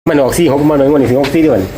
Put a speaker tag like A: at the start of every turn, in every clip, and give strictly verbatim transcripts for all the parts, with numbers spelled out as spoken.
A: มันออกสี่หกมาหน่อยวันนี้ถึงหกสี่เดือน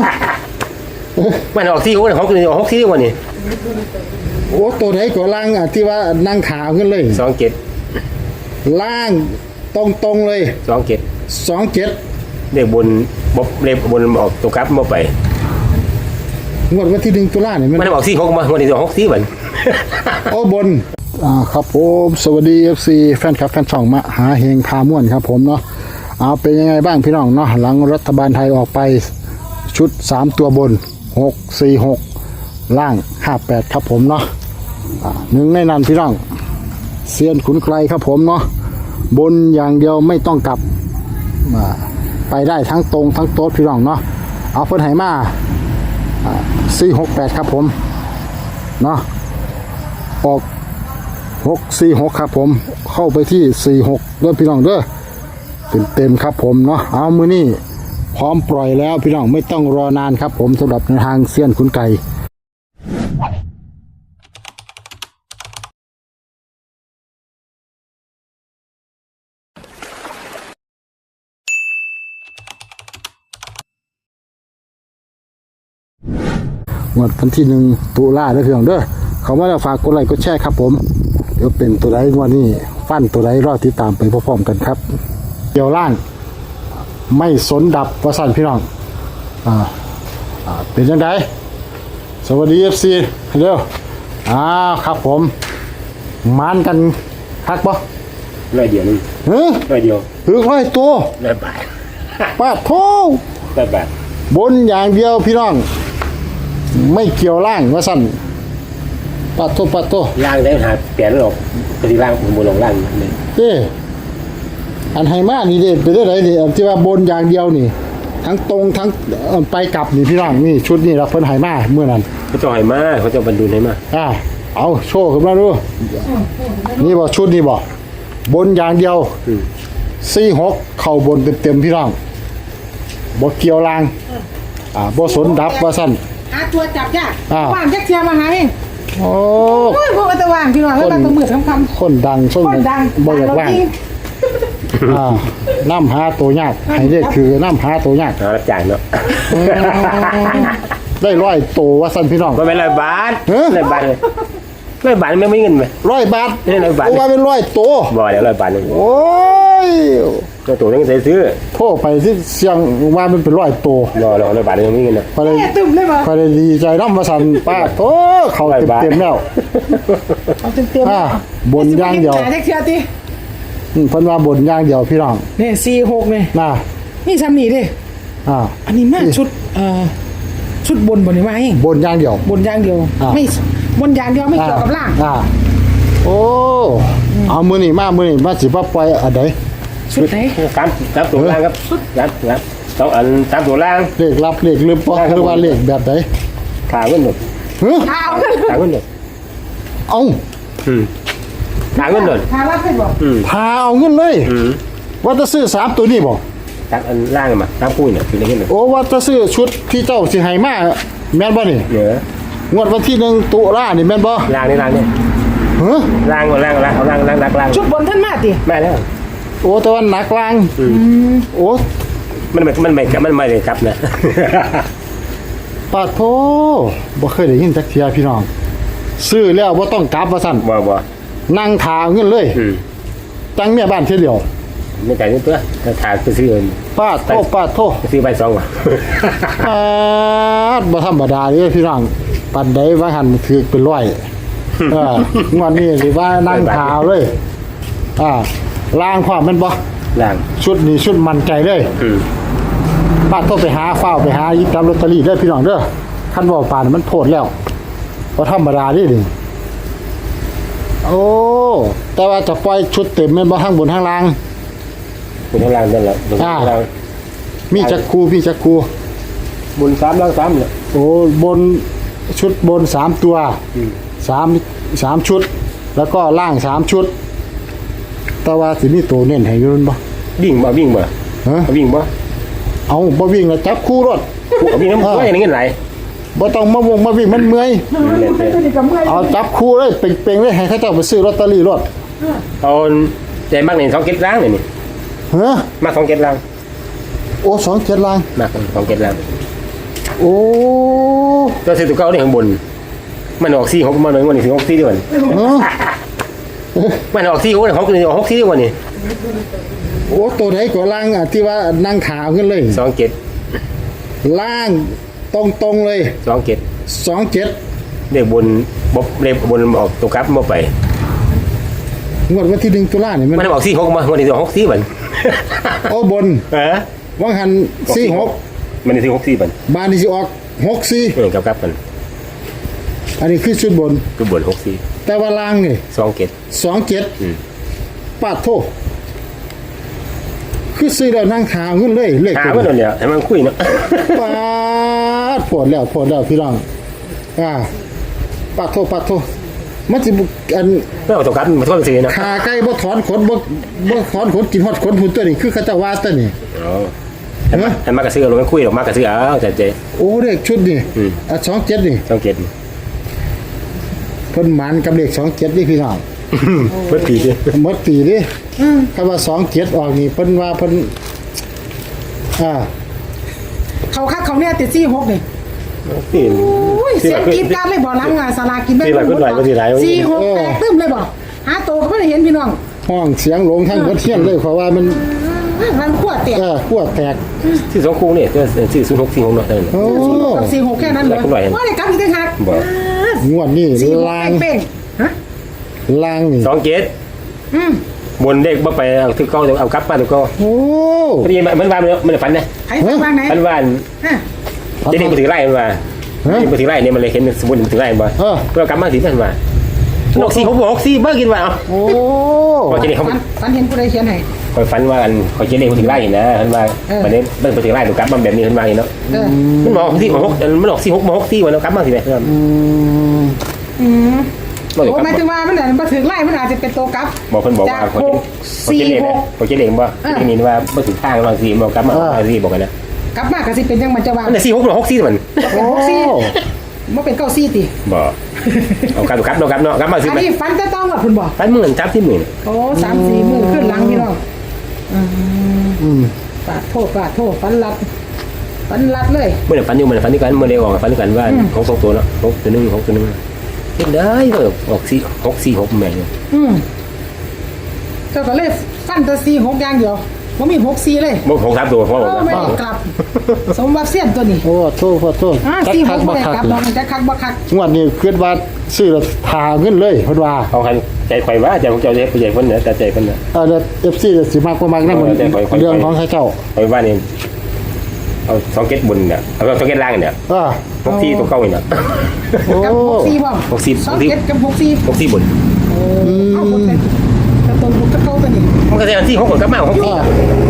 A: มันออกสี่หกของคือออกหกสี่วันนี้
B: โอ้ตัวไหนก็ล่างอ่ะที่ว่านั่งขาวขึ้นเลย
A: สองเจ็ด
B: ล่างตรงตรงเลย
A: สองเจ็ด
B: สองเจ็ด
A: เด็กบนบบเด็กบนออกตัวกลับมาไป
B: งวดวันที่หนึ่งตุลาเนี่ย
A: มันออกสี่หกมาวันนี้ออกหกสี่วัน
B: โอ้บนอ่าครับผมสวัสดีเอฟซีแฟนคลับแฟนช่องมาหาเฮงพาม่วนครับผมเนาะเอาเป็นยังไงบ้างพี่น้องเนาะหลังรัฐบาลไทยออกไปชุดสามตัวบนหกสี่หกล่างห้าแปดครับผมเนาะอ่าหนึ่งในนั้นพี่น้องเซียนขุนไกลครับผมเนาะบนอย่างเดียวไม่ต้องกลับมาไปได้ทั้งตรงทั้งโต๊ดพี่น้องเนาะเอาเพิ่นไหมาสี่หกแปดครับผมเนาะออกหกสี่หกครับผมเข้าไปที่สี่หกเด้อพี่น้องเด้อเต็มเต็มครับผมเนาะเอามือนี่พร้อมปล่อยแล้วพี่น้องไม่ต้องรอนานครับผมสำหรับในทางเซียนขุนไก่วันที่หนึ่งตุลาเด้อพี่น้องเด้อเขามาแล้วฝากกดไลค์กดแชร์ครับผมเดี๋ยวเป็นตัวใดวันนี้ฟันตัวใดรอติดตามไปพร้อมๆกันครับเกี่ยวล่างไม่สนดับประสันพี่น้องอ่าอ่าเป็นยังไงสวัสดีเอฟซีเร็วอ่าครับผมมานกันคักปะ
A: ร้อยเดียวนึง
B: เฮ้ย
A: ร้อยเดียว
B: ถือร้อยตัว
A: ร้อยบาท
B: ปาดโถ
A: ร้อยบาท
B: บนอย่างเดียวพี่น้องไม่เกี่ยวล่างว่าสั่นปาดโถปาดโถ
A: ล่างได้หาเปลี่ยนหรอกปฏิล่างผมบนลงล่างเลย
B: เอ๊อันไฮมานี่เด็ดไปได้ไรนี่ที่ว่าบนอย่างเดียวนี่ทั้งตรงทั้งไปกลับนี่พี่น้องนี่ชุดนี่เราเพิ่นไฮมาเมื่อนั้น
A: เขาจะไฮมาเขาจะบรรดุไฮมา
B: อ่าเอาโชว์ขึ้นมาดูนี่บอกชุดนี่บอกบนอย่างเดียวสี่หกเข่าบนเต็มๆพี่น้องบกเกี่ยวล่างอ่าบสนดับว่าสั้น
C: หาตัวจับยากว่างแจ็คเทียมาหาเอง
B: โอ้
C: ยพวกมันจะว่างพี่น้องแล้วมันต้องมือทำคำ
B: คนดังช่วงนี้บ่อยากว่างอ่าน้ำหาตัวยากให้ได้คือน้ำหาตัวยาก
A: รับจ่ายเนาะ
B: ได้ร้อยตัวว่าสั้นพี่น้อง
A: ไม่เป็นร้อยบาทร้อยบาทเลยร้อยบาทไม่ไม่เงินไหม
B: ร้อยบาท
A: นี่ร้อยบาท
B: ว่าเป็นร้อยตัว
A: บ่เดี๋ยวร้อยบาทเลย
B: โอ้ย
A: ตัวตัวนี้ใส่ซื้อ
B: โทษไปที่เสียงว่ามันเป็นร้อยตัว
A: รอรอร้อยบาทยังไม่เงินนะ
B: พอได้
C: ตึมเลยมั้ย
B: พอได้ดีใจน้ำมาสั่นป้าโอ้เขาเต็มเต็มแล้ว
C: เอาเต็มเต็ม
B: อ่าบนย่างเดียว
C: แจ็คเทียตี
B: เพิ่นว่าบนย่างเดียวพี่น้อง
C: นี่สี่หกเนี่ย
B: น่ะ
C: นี่ซ้ำนี่ดิ
B: อ่า
C: อันนี้มาชุดเอ่อชุดบนบนนี่มาเอง
B: บนย่างเดียว
C: บนย่างเดียวไม่บนย่างเดียวไม่เกี่ยวกับล่าง
B: อ่าโอ้เอามือนี่มามือนี่มาสิบ่ปล่อยอันใด
C: ชุดไหน
A: สามสามตัวล่างครับสามสามสองอันสามตัวล่าง
B: เลขลับเลขลืมบ่หรือว่าเลขแบบไหน
A: ขาเงินหมด
B: เฮ้ย
C: ขา
A: ขาเงินหมด
B: เอา
A: อืมขาเงินหมด
C: ขาลับให้บอก
B: อืมพาเอาเงินเลย
A: อืม
B: ว่าจะซื้อสามตัวนี้บ่
A: จากอันล่างมาสามคู่เนี่ยคือได้เงิน
B: โอ้ว่าจะซื้อชุดที่เจ้าสิให้มาแม่นบ่นี่
A: เยอะ
B: งวดวันที่หนึ่งตุลานี่แม่นบ่
A: ล่างนี่ล่างนี่
B: เฮ้ย
A: ล่างล่างล่างเอาล่างล่างล่าง
C: ชุดบนท่านมาติ
A: แม่แล้ว
B: โอ้แต่ว่าหนักล่างโอ้
A: มันไม่มันไม่มันไม่เลยครับนะ
B: ปาโธบ่เคยได้ยินจักเที่ยพี่น้องซื้อแล้วบ่ต้องกลับว่าซั่น
A: บ่บ่
B: นั่งถาเงินเลยตั้งแม่บ้านเที่ยวเดียว
A: ไม่จ่ายเงินตัวถ้าถาไปซื้อเงิน
B: ปาโธปาโธ
A: ซื้อใบสองว่ะ
B: ปาดบ่ธรรมดาเด้พี่น้องปานใดว่าหั่นถือเป็นร้อยเอองวดนี้สิว่านั่งถาเลยอ่าล่างความแม่นบ่
A: ล่าง
B: ชุดนี้ชุดมันใจเลย
A: อือ
B: บ้านต้องไปหาฟ้าไปหายิบตามลอตเตอรี่เด้อพี่น้องเด้อคันว่าป่านมันโพดแล้วบ่ธรรมดาเด้นี่โอ้แต่ว่าจะปล่อยชุดเต็มแม่นบ่ทั้งบนทั้งล่าง
A: บนทั้งล่างนั่นแหละบนทั้งล่าง
B: มีจักคูมีจักคู
A: บนสามล่างสามเนี่ย
B: โอ้บนชุดบนสามตัวสามสามชุดแล้วก็ล่างสามชุดแต่ว่าสิมีตัวเน้นให้อยู่บ่
A: วิ่งบ่วิ่งบ่
B: ฮะ
A: วิ่งบ่
B: เอาบ่วิ่งแล้วจับคู่รถ
A: วิ่งน้ำก็อย่างนี้ไหล
B: บ่ต้องมาวงมาวิ่งมันเมื่อยเอาจับคู่เลยเป่งๆเลยให้เขาเจ้าไปซื้อลอตเตอรี่รถ
A: เอาใจมากนี่สองเก็ดล้างเลยนี่
B: ฮะ
A: มาสองเก็ดล้าง
B: โอ้สองเจ็ดล่าง
A: มากสองเจ็ดล่าง
B: โอ้
A: ตัวซื้อตัวเก่านี่ข้างบนมันออกสี่หกมันเลยวันนี้สี่หกสี่เดือน
B: เออ
A: มันออกสี่หกหกนี่ออกหกสี่วันนี้
B: โอ้ตัวไหนก็ล่างอ่ะที่ว่านั่งขาวขึ้นเลย
A: สองเจ็ด
B: ล่างตรงตรงๆเลย
A: สองเจ็ด
B: สองเจ็ด
A: เรียกบนบบเรียกบนออกตัวกลับมาไป
B: งวดวันที่หนึ่งตุลาเนี่ยมัน
A: มันออกสี่หกมาวันนี้ออกหกสี่วัน
B: โอ้บน
A: เออ
B: วังหันสี่หก
A: มันนี่สี่หกสี่วัน
B: บานนี่สิออกหกสี่
A: เออกลับกลับกัน
B: อันนี้คือชุดบน
A: คือบนหกสี่
B: แต่ว่าล่างนี่
A: สองเจ็ด
B: สองเจ็ด
A: อืม
B: ปาดโทษคือซื้อแล้วนั่งขาวขึ้นเลยเลข
A: หา
B: ตัว
A: มันเนี่ยให้มันคุยเนาะ
B: ปาดปวดแล้วปวดแล้วพี่น้องอ่าปาดโทษปาดโทษมันสิบุอัน
A: ไม่เอาตัวกลับมันก็เป็นสี่เนาะ
B: ขาไก่บ่ถอนขนบ่บ่ถอนขนกินฮอดขนหุ่นตัวนี้คือเขาเจะว่าตัวนี้
A: อ๋อให้มาให้มากระซื้อเราไม่คุยหรอกมากระซื้อเอาแต่เจ
B: โอ้เลขชุดนี่
A: อืม
B: อ่ะสองเจ็ดนี่
A: สองเจ็ด
B: เพิ่นหมานกับเลขสองเจ็ดนี่พี่น้อง
A: เพื่อปีดิ
B: หมดปีดิคำว่าสองเจ็ดออกนี่เพิ่นว่าเพิ่นอ่า
C: เขาคักเขาเนี่ยติดซี่หกนี่
A: ปี
C: โอ้ยเสียงกรีดกรารเลยบ่ล้างงานสลากินแม่
A: ที่หลายคนหลายคนที่หลาย
C: ซี่หกแตกตึ้มเลยบ่หาโตก็ไม่ได้เห็นพี่น้อง
B: ห้องเสียงหลงทั้งหมดเที่ยงเลยเพราะว่ามัน
C: มันขวดเตีย
B: เออขั้วแตก
A: ที่สองคู่เนี่ยจะสี่ศูนย์หกสี่หกเนาะนั่น
B: โอ้
C: กับซี่หกแค่นั้นเลยว่าได้กลับอีกต่างหาก
A: บอก
B: งวดนี่
C: ซี่หก
B: ลาง
C: เป้งฮะ
B: ลางนี่
A: สองเจ็ด
C: อืม
A: บนเด็กบ่ไปเอาถือเก้าเอากลับมาถือเก้า
B: โอ้
A: พอดีมันว่ามันฝันนะ
C: ใครฟังบ้างไหน
A: มันว่า
C: ฮะ
A: เด็กมาถือไล่มันว่าเด็กมาถือไล่เนี่ยมันเลยเห็นสมมุติมันถือไล่มันว่า
B: เออ
A: เพื่อกลับมาถือมันว่าหกสี่หกหกสี่เบิ่งกินว่าเอา
B: โอ้
A: พอจะได้เขา
C: ฝันฝันเห็นผู้ใดเขียนให้
A: คอยฝันว่าอันคอยเจเด็กมาถือไล่นะมันว่าวันนี้เบิ่งมาถือไล่ถูกกลับมาแบบนี้มันว่าเนาะ
C: เออ
A: มันบอกสี่หกมันออกสี่หกมาหกสี่วันแล้วกลับมาสิแม่
B: อืม
C: อืม
A: บอก
C: โอ้หมายถึงว่ามันอาจจะมาถึงไล่มันอาจจะเป็นโตกลับ
A: บอกคนบอกว่า
C: จาก
A: เขา
C: หก
A: เขา
C: สี่
A: เจเด็ก
C: หก
A: เขาเจเด็กว่าที่นี่ว่าเมื่อถึงข้างบางสี่บอกกลับมาบางสี่บอกกันนะ
C: กลับมาก็สิเป็นจังมันจะว่า
A: มันสี่หกหรือหกสี่มัน
C: เป็นหกซี่มันเป็นเก้าซี่ติ
A: บอกเอากลับกลับเนาะกลับเนาะกลับมาสิ
C: อันนี้ฟันจะต้องกับคุณบอก
A: ฝันหมื่นจับที่หมื่น
C: โอ้สามสี่มือขึ้นหลังพี่น้อง
B: อืม
C: ปาดโทษปาดโทษฟันรัดฟันรัดเลย
A: เมื่อฝันอยู่เมื่อฝันด้วยกันเมื่อเร็วออกฝันด้วยกันว่าของสองตัวเนาะหกตัวหนึ่งหกตัวหนึ่งเห็นได้ก็ออกสี่หกสี่หกแม่เนี่ย
C: อืมเจ้าก็เลยฟันแตะซีหกอย่างเดียวว่ามีหกซีเลย
A: บอกหกสามตัวเพราะ
C: โอ้
A: บอก
C: ไม่ได้กลับ สมบัติเสี้ยนตัวนี้
B: โอ้โทษขอโทษ
C: อ่า
B: จัก
C: ซีห
B: คั
C: ก
B: ก
C: ไม่
B: บ่
C: ได้
B: คัก
C: กลับ
B: เล
C: น้อย งจะคักบ่คัก
B: งวดนี้คิดว่าซื้อแล้วทาเงินเลยเพิ่นว่า
A: เอาใครใจไฟว่าใจของเจ้าใจผู้ใหญ่คนเนี่ยแต่ใจคนเนี่ย
B: เออเอฟซีสิมากกว่ามากนะมัน
A: เออแต่ข่อยข่อย
B: เรื่องของใครเจ้า
A: ไฟว่านี่เอาสองเก็ตบนเนี่ยเอาสองเก็ตล่างเนี่ย
B: อ่า
A: หกสี่ตัวเก้าเนี่ย
B: โอ้
C: กับหกซีบ่
A: หกสี่
C: สองเจ็ดกับหกซี
A: หกสี่บน
C: เอาหมดเลยกระตุ้นกระเก้าตัวนี้
A: มันก็จะที่หกกับกลับมาหกสี่
B: อ่า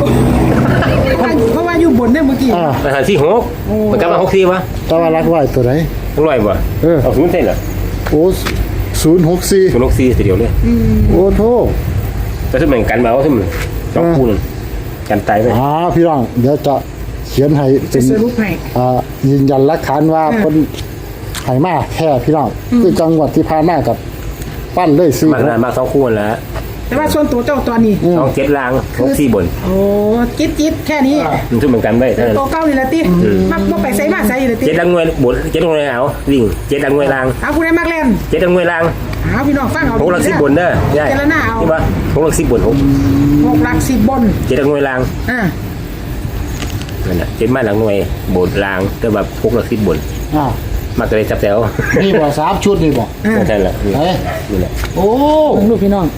C: เพราะว่าอยู่บนเนี่ยเมื่อกี้
B: อ่า
A: อาหารที่หกมันกลับมาหกสี่วะ
B: แต่ว่ารักไว้ตัวไหน
A: ต้องร้อยบ่
B: เออ
A: เอาศูนย์เส้นเหรอ
B: โอ้ศูนย์หกสี่
A: ศูนย์หกสี่ทีเดียวเลย
B: โอ้โทษ
A: แต่ถ้าเหมือนกันมาว่าถ้ามันสองคูณกันตายไป
B: อ่าพี่น้องเดี๋ยวจะเขียนให้เป็น
C: สรุปให้
B: อ่ายืนยันหลักฐานว่า
C: อืม
B: เพิ่นให้มาแค่พี่น้องคือจังหวัดที่ผ่านมากับปั้นเลยซื้อ
A: มากนานมากสองคูณแล้ว
C: แต่ว่าส่วนตัวเจ้าตัวนี้
A: สองเจ็ดล่างหกสี่บน
C: โอ้จิ๊ดจิ๊ดแค่นี้
A: มันช่วยเหมือนกันได้เท่านั้น
C: ตัวเก้านี่แหละติมักบ่ไปใส่มาใส่อยู่เลยติ
A: เจ็ดดังงวยบนเจ็ดดังงวยเอาวิ่งเจ็ดดังงวยล่าง
C: เอาผู้ใดมักเล่น
A: เจ็ดดังงวยล่าง
C: เอาพี่น้องฟังเอา
A: หกหลักสิบบนเด้อใช่
C: เจรนาเอา
A: ที่ว่าหกหลักสิบบนหก
C: หกหลักสิบบน
A: เจ็ดดังงวยล่าง
C: อ่า
A: นั่นแหละเจ็ดมาหลังงวยบนล่างแต่แบบหกหลักสิบบน
B: อ่า
A: มาเลยจับแถว
B: นี่บ่สามชุดนี่บ่
C: อ่า
A: ใช่แหละ
B: เอ้ย
A: นี่แหละ
B: โอ้
C: ลูกพี่น้อง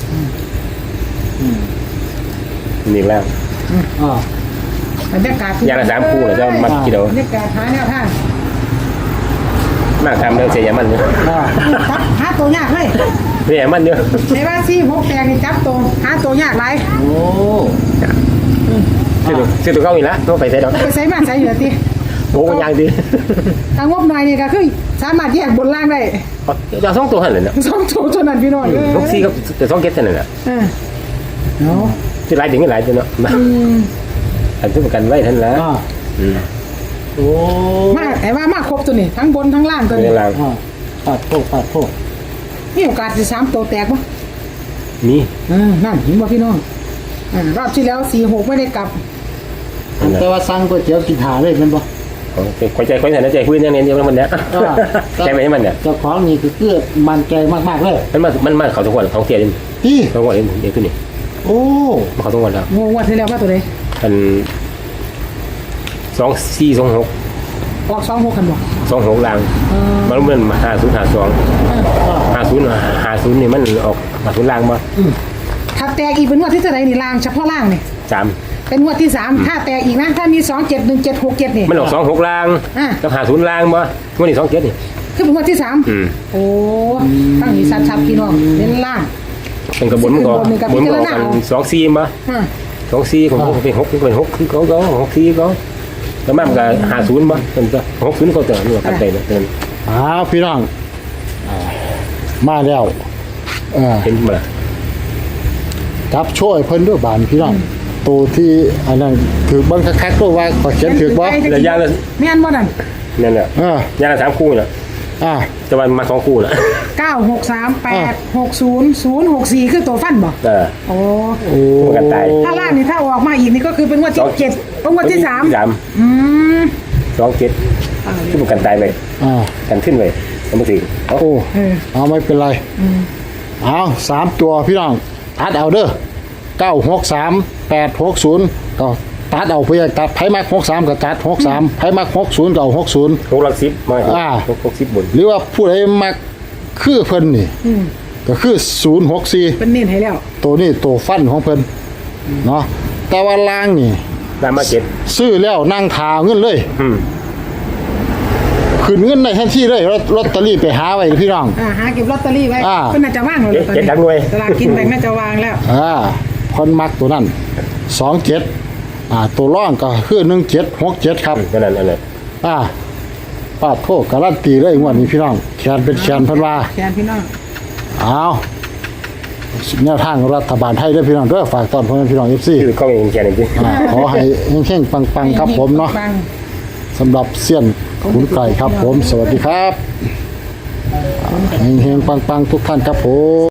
A: นี่แล้ว
B: อ่า
C: บรรยากาศ
A: อย่างละสามคู่เลยจะมัดกี่เดียว
C: บรรยากาศหาแนวทาง
A: มากทำเรื่องเสียมันเนี่ย
B: อ่า
C: จับหาตัวยากเลย
A: เสียมันเยอะ
C: ในว่าซี่หกแตกนี่จับตัวหาตัวยากหลาย
B: โอ้
A: ซื้อตัวซื้อตัวเก้าอีกแล้วต้องไปใส่ดอก
C: ไปใส่มาใส่อยู่เลยติ
A: โอ้มันยางดี
C: ถ้างบหน่อยนี่ก็คือสามารถแยกบนล่างได้
A: จะสองตัวหันเลยนะ
C: สองตัวเท่านั้นพี่น้องเอ้ย
A: หกสี่ก็จะสองเก็ตเท่านั้นแหละ
C: เออเนาะ
A: ที่หลายถึงก็หลายตัวเนาะมา
C: อืม
A: อันที่ประกันไว้ท่านแล้ว
B: อ่า
A: อืม
B: โอ้
C: มาไอ้ว่ามาครบตัวนี่ทั้งบนทั้งล่างตัว
A: เว
C: นี้
A: ลา
B: อ่าปัดโทษปัดโทษ
C: มีโอกาสสิสามตัวแตกบ่
A: มี
C: อ่านั่นเห็นบ่พี่น้องอ่ารอบที่แล้วสี่หกไม่ได้กลับ
B: อันแต่ว่าสั่งก๋วยเตี๋ยวกินหาเลยแมันบ่
A: คอยใจคอยใจใจคุยเนี่ยเนี่ยมันเนี่ยใจไหมมันเนี่ย
B: เจ้าของนี่คือเกือมันใจมากๆเลย
A: มันมามันมาเขาทุกวันของเทียน
B: ที่
A: ทุกวันเองเด็กตัวนี้
B: โอ้
A: มาเขาทุกวันแล้ว
C: งงว่าที่แล้วว่าตัวใด
A: อันสองสี่สองหก
C: ออกสองหกกันบ่
A: สองหกลางมันเหมือนหาศูนย์หาสองหาศูนย์หาศูนย์นี่มันออกหาศูนย์ลางมา
C: ถ้าแตกอีกเป็นงวดที่เท่าไหร่นี่ล่างเฉพาะล่างนี่
A: สาม
C: เป็นงวดที่สามถ้าแตกอีกนะถ้ามีสองเจ็ดหนึ่งเจ็ดหกเจ็ดนี่
A: มันออกสองหกลางกับหาศูนย์ลางมาวันนี้สองเจ็ดนี่
C: คือเป็นงวดที่สาม
A: อืม
C: โอ้ตั้งนี้ชัดๆพี่น้องเน้นล่าง
A: เป็นกระบวนมันก็บนมันออกกันสองสี่มา
C: อ่า
A: สองสี่ของผมเป็นหกเป็นหกคือเขาเขาหกสี่เขาแล้วมันก็หาศูนย์มาเป็นก็หกศูนย์เขาเตือนนี่ว่ากันใจนะเตือน
B: อ้าวพี่น้องอ่ามาแล้วเออ
A: เห็นมาละ
B: จับช่วยเพิ่นด้วยบานพี่น้องตัวที่อันนั้นถือเบิ่งคักๆด้วยว่าขอเขียนถือบ่
A: ระยะละ
C: แม่นบ่นั่น
A: นั่นแหละ
B: เออย
A: างละสามคู่น่ะ
B: อ่า
A: จะวันมาสองคู่น่ะ
C: เก้าหกสามแปดหกศูนย์ศูนย์หกสี่คือตัวฟันบ่
A: เออ
C: โอ้
B: โอ้
A: กันตาย
C: ถ้าล่างนี่ถ้าออกมาอีกนี่ก็คือเป็นงวดที่เจ็ดเป็นงวดที่สาม
A: สาม
C: อืม
A: สองเจ็ดที่มันกันตายไป
B: อ่า
A: กันขึ้นไปสมมติเอา
B: โอ้
C: เออ
B: เอาไม่เป็นไรเอาสามตัวพี่น้องตัดเอาเด้อเก้าหกสามแปดหกศูนย์ก็ตัดเอาเพื่อตัดไพ่มักหกสามก็ตัดหกสามไพ่มักหกศูนย์ก็เอาหกศูนย์
A: หกหลักสิบมา
B: อ่า
A: หกหกสิบบน
B: หรือว่าผู้ใดมักคือเพิ่นนี่ก็คือศูนย์หกสี่
C: เป็นเน้นให้แล้ว
B: ตัวนี้ตัวฟันของเพิ่นเนาะแต่ว่าล่างนี่
A: ตามมาเจ็ด
B: ซื้อแล้วนั่งทาเงินเลย
A: อืม
B: ขึ้นเงินในทันทีเลยลอตลอตเตอรี่ไปหาไว้พี่น้อง
C: อ่าหาเก็บลอตเตอรี่ไว้
B: อ่า
C: เพิ่นน่าจะว่างแล้วตอน
A: เจ็ด
C: นี้
A: ดังหน่วย
C: ตลาดกินแบ่งน่าจะวางแล้ว
B: อ่าคนมักตัวนั้นสองเจ็ดอ่าตัวร่องก็คือหนึ่งเจ็ดหกเจ็ดครับ
A: นั่นนั่นนั่น
B: อ่าป้าดโทษการันตีเลยงวดนี้พี่น้องแขนเป็นแขนเพันว่า
C: แทนพี่น้อง
B: เอาแนวทางรัฐบาลไทยด้วยพี่น้องด้วยฝากตอนพ่อแม่พี่น้องเอฟซี
A: คือข้องเองแค่นี้จริง
B: ขอให้เข่งๆปังๆครับผมเนาะ
C: ปัง
B: สำหรับเสี้ยนขุนไก่ครับผม สวัสดีครับเฮงๆปังๆทุกท่านครับผม